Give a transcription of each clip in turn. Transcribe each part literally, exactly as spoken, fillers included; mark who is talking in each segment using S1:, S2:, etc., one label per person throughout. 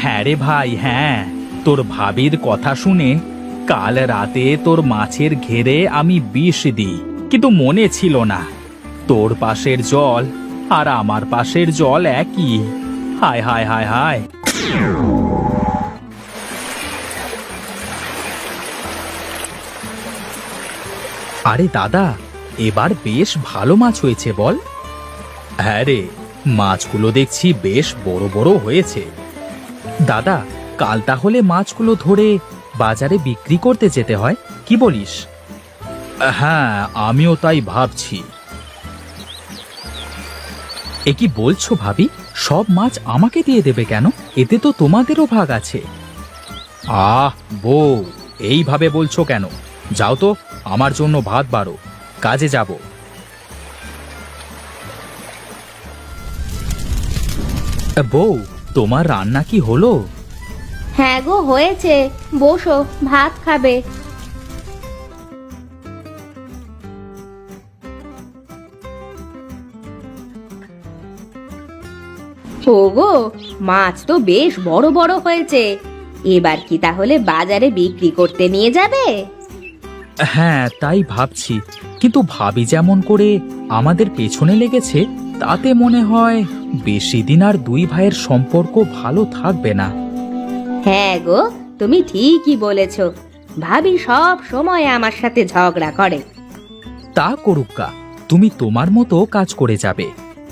S1: হ্যাঁ রে ভাই, হ্যাঁ, তোর ভাবির কথা শুনে কাল রাতে তোর মাছের ঘেরে আমি বিষ দিই, কিন্তু মনে ছিল না তোর পাশের জল আর আমার পাশের জল একই। হায় হায় হায় হায়। আরে দাদা, এবার বেশ ভালো মাছ হয়েছে বল। হ্যাঁ রে, মাছগুলো দেখছি বেশ বড় বড় হয়েছে। দাদা, কাল তাহলে মাছগুলো ধরে বাজারে বিক্রি করতে যেতে হয়, কি বলিস? হ্যাঁ, আমিও তাই ভাবছি। এ কি বলছো ভাবি? সব মাছ আমাকে দিয়ে দেবে কেন? এতে তো তোমাদেরও ভাগ আছে। আহ বউ, এইভাবে বলছো কেন? যাও তো, আমার জন্য ভাত বাড়ো, কাজে যাব। বউ, তোমার রান্না কি হলো?
S2: হ্যাঁ গো, হয়েছে। বসো, ভাত খাবে। ওগো, মাছ তো বেশ বড় বড় হয়েছে। এবার কি তাহলে বাজারে বিক্রি করতে নিয়ে যাবে?
S1: হ্যাঁ, তাই ভাবছি, কিন্তু ভাবি যেমন করে আমাদের পেছনে লেগেছে, তাতে মনে হয় বেশি দিন আর দুই ভাইয়ের সম্পর্ক ভালো থাকবে না।
S2: হ্যাঁ গো, তুমি ঠিকই বলেছ। ভাবি সব সময় আমার সাথে ঝগড়া করে।
S1: তা করুক্কা, তুমি তোমার মতো কাজ করে যাবে।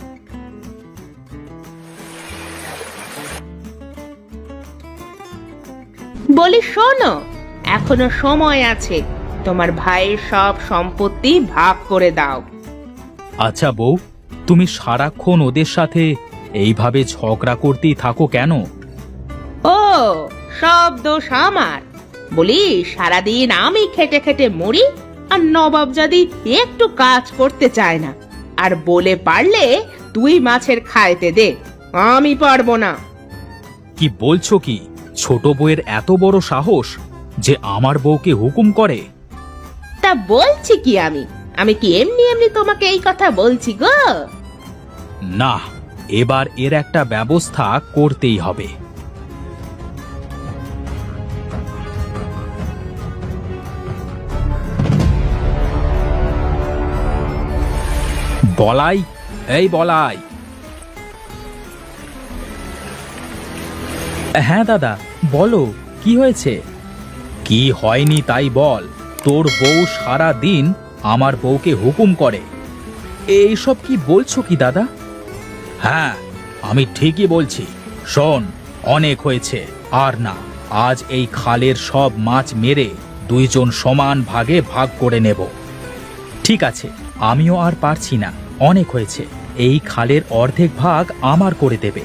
S3: বলি শোনো, এখনো সময় আছে, তোমার ভাইয়ের সব সম্পত্তি ভাগ করে দাও।
S1: আচ্ছা বউ, তুমি সারাক্ষণ ওদের সাথে এইভাবে ঝগড়া করতেই থাকো কেন?
S3: ও, সব দোষ আমার? বলি সারাদিন আমি খেটে খেটে মরি, আর নবাবজাদি একটু কাজ করতে চায় না, আর বলে পারলে তুই মাছের খাইতে দে, আমি পারবো না।
S1: কি বলছো কি? ছোট বউয়ের এত বড় সাহস যে আমার বউকে হুকুম করে?
S3: তা বলছি কি আমি আমি কি এমনি এমনি তোমাকে এই কথা বলছি গো?
S1: না, এবার এর একটা ব্যবস্থা করতেই হবে। বলাই, এই বলাই। হ্যাঁ দাদা, বলো, কি হয়েছে? কি হয়নি তাই বল। তোর বউ সারা দিন আমার বউকে হুকুম করে। এইসব কি বলছো কি দাদা? হ্যাঁ, আমি ঠিকই বলছি। শোন, অনেক হয়েছে, আর না। আজ এই খালের সব মাছ মেরে দুইজন সমান ভাগে ভাগ করে নেব। ঠিক আছে, আমিও আর পারছি না, অনেক হয়েছে। এই খালের অর্ধেক ভাগ আমার করে দেবে।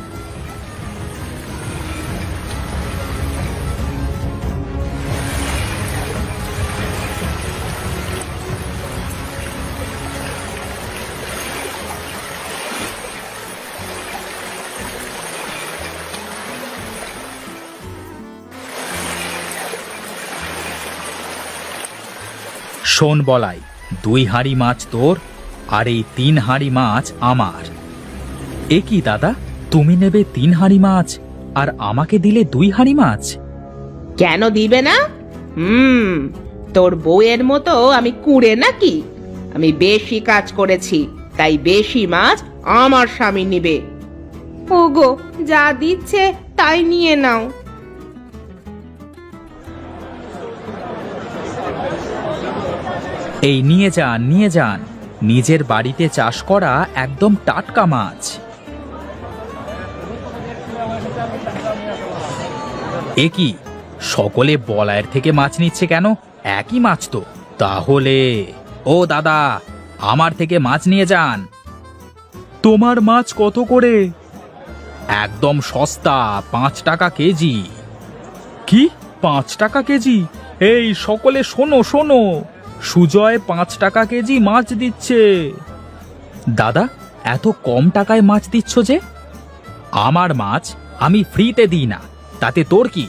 S1: শোন বলাই, দুই হাঁড়ি মাছ তোর, আর এই তিন হাঁড়ি মাছ আমার। এ কি দাদা, তুমি নেবে তিন হাঁড়ি মাছ আর আমাকে দিলে দুই হাঁড়ি মাছ?
S3: কেন দিবে না? হুম, তোর বউয়ের মতো আমি কুঁড়ে নাকি? আমি বেশি কাজ করেছি, তাই বেশি মাছ আমার স্বামী নিবে। ওগো, যা দিচ্ছে তাই নিয়ে নাও।
S1: এই নিয়ে যান, নিয়ে যান, নিজের বাড়িতে চাষ করা একদম টাটকা মাছ। এ কি, সকলে বলায়ের থেকে মাছ নিচ্ছে কেন? একই মাছ তো। তাহলে ও দাদা, আমার থেকে মাছ নিয়ে যান। তোমার মাছ কত করে? একদম সস্তা, পাঁচ টাকা কেজি। কি, পাঁচ টাকা কেজি? এই সকলে শোনো শোনো, সুজয় পাঁচ টাকা কেজি মাছ দিচ্ছে। দাদা, এত কম টাকায় মাছ দিচ্ছ যে? আমার মাছ আমি ফ্রিতে দিই না, তাতে তোর কি?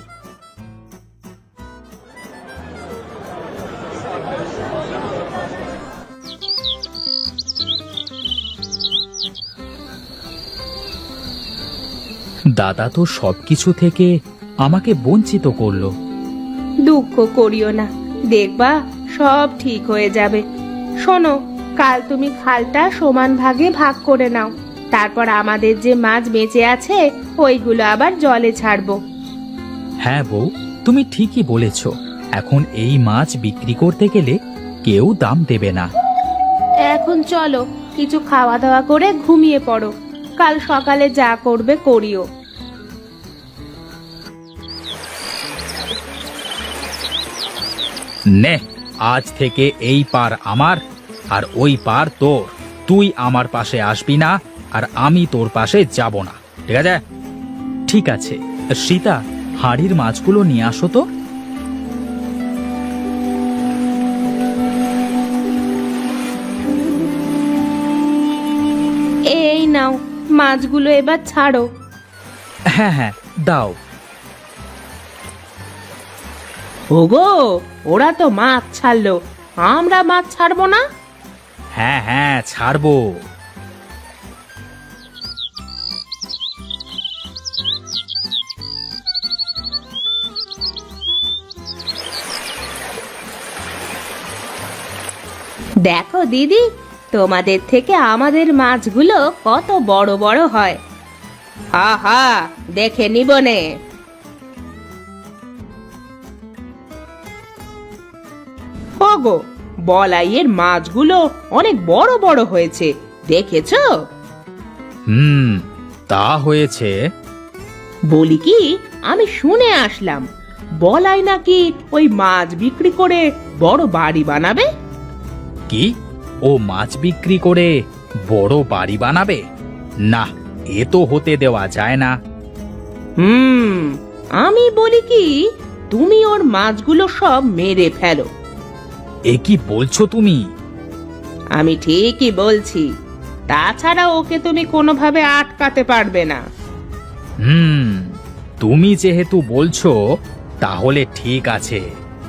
S1: দাদা তো সবকিছু থেকে আমাকে বঞ্চিত করলো।
S3: দুঃখ করিও না, দেখবা সব ঠিক হয়ে যাবে। শোনো, কাল তুমি খালটা সমান ভাগে ভাগ করে নাও, তারপর আমাদের যে মাছ বেঁচে আছে ওইগুলো আবার জলে ছাড়বো।
S1: হ্যাঁ বউ, তুমি ঠিকই বলেছ। এখন এই মাছ বিক্রি করতে গেলে কেউ দাম দেবে না।
S3: এখন চলো, কিছু খাওয়া দাওয়া করে ঘুমিয়ে পড়ো, কাল সকালে যা করবে করিও।
S1: নে, আজ থেকে এই পার আমার আর ওই পার তোর। তুই আমার পাশে আসবি না আর আমি তোর পাশে যাব না, ঠিক আছে? ঠিক আছে। সীতা, হাঁড়ির মাছগুলো নিয়ে আসো তো।
S3: এই নাও, মাছগুলো এবার ছাড়ো।
S1: হ্যাঁ হ্যাঁ, দাও।
S3: ওগো, ওরা তো মাছ ছাড়লো, আমরা মাছ ছাড়বো না?
S1: হ্যাঁ হ্যাঁ, ছাড়বো।
S2: দেখো দিদি, তোমাদের থেকে আমাদের মাছগুলো কত বড় বড় হয়।
S3: হা হা, দেখে নিবনে। ওগো, বলাইয়ের মাছগুলো অনেক বড় বড় হয়েছে, দেখেছো?
S1: হুম, তা হয়েছে।
S3: বলি কি, আমি শুনে আসলাম বলাই নাকি ওই মাছ বিক্রি করে বড় বাড়ি বানাবে।
S1: কি, ও মাছ বিক্রি করে বড় বাড়ি বানাবে? না, এ তো হতে দেওয়া যায় না।
S3: হুম, আমি বলি কি, তুমি ওর মাছগুলো সব মেরে ফেলো।
S1: এ কি বলছো তুমি?
S3: আমি ঠিকই বলছি, তাছাড়া ওকে তুমি কোনোভাবে আটকাতে পারবে না।
S1: হুম, তুমি যেহেতু বলছো তাহলে ঠিক আছে।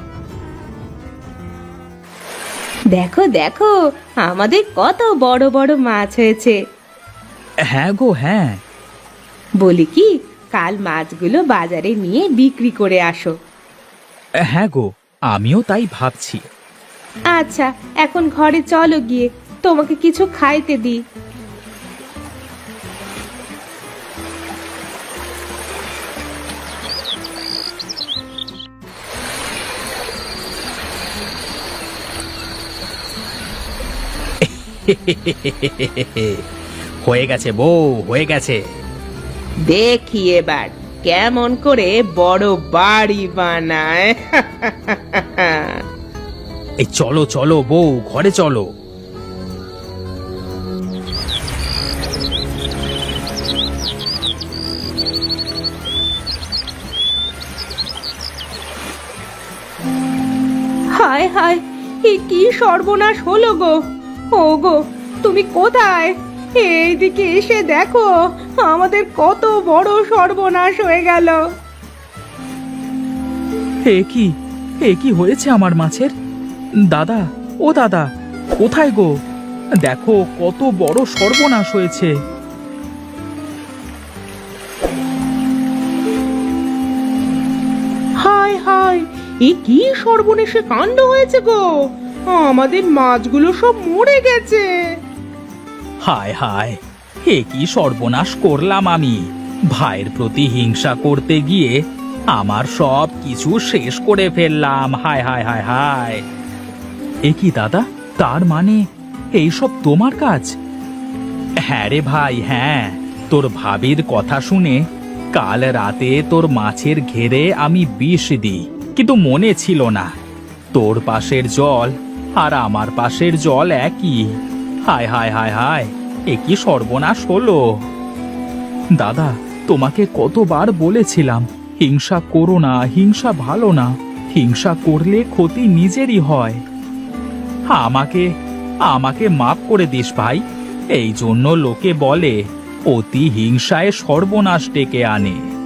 S2: দেখো দেখো, আমাদের কত বড় বড় মাছ হয়েছে।
S1: হ্যাঁ গো, হ্যাঁ।
S2: বলি কি, কাল মাছগুলো বাজারে নিয়ে বিক্রি করে আসো।
S1: হ্যাঁ গো, আমিও তাই ভাবছি।
S2: আচ্ছা, এখন ঘরে চলো, গিয়ে তোমাকে কিছু খাইতে দিই।
S1: হয়ে গেছে বউ, হয়ে গেছে।
S3: দেখি এবার কেমন করে বড় বাড়ি বানায়।
S1: এই চলো চলো বউ, ঘরে চলো।
S2: হায় হায়, এ কি সর্বনাশ হলো গো! ও গো, তুমি কোথায়? এইদিকে এসে দেখো, আমাদের কত বড় সর্বনাশ হয়ে গেল।
S1: এ কি, এ কি হয়েছে আমার মাছের? দাদা, ও দাদা, কোথায় গো? দেখো কত বড় সর্বনাশ হয়েছে।
S3: হায় হায়, এ কি সর্বনেশে কাণ্ড হয়েছে গো! আমাদের মাছগুলো সব মরে গেছে।
S1: হায় হায়, এ কি সর্বনাশ করলাম আমি! ভাইয়ের প্রতি হিংসা করতে গিয়ে আমার সব কিছু শেষ করে ফেললাম। হায় হায় হায় হায়! এ কি দাদা, তার মানে এইসব তোমার কাজ? হ্যাঁ রে ভাই, হ্যাঁ। তোর ভাবির কথা শুনে কাল রাতে তোর মাছের ঘেরে আমি বিষ দিই, কিন্তু মনে ছিল না তোর পাশের জল আর আমার পাশের জল একই। হায় হায় হায় হায়, এ কি সর্বনাশ হলো! দাদা, তোমাকে কতবার বলেছিলাম হিংসা করো না, হিংসা ভালো না, হিংসা করলে ক্ষতি নিজেরই হয়। আমাকে আমাকে মাফ করে দিস ভাই। এই জন্য লোকে বলে অতি হিংসায় সর্বনাশ ডেকে আনে।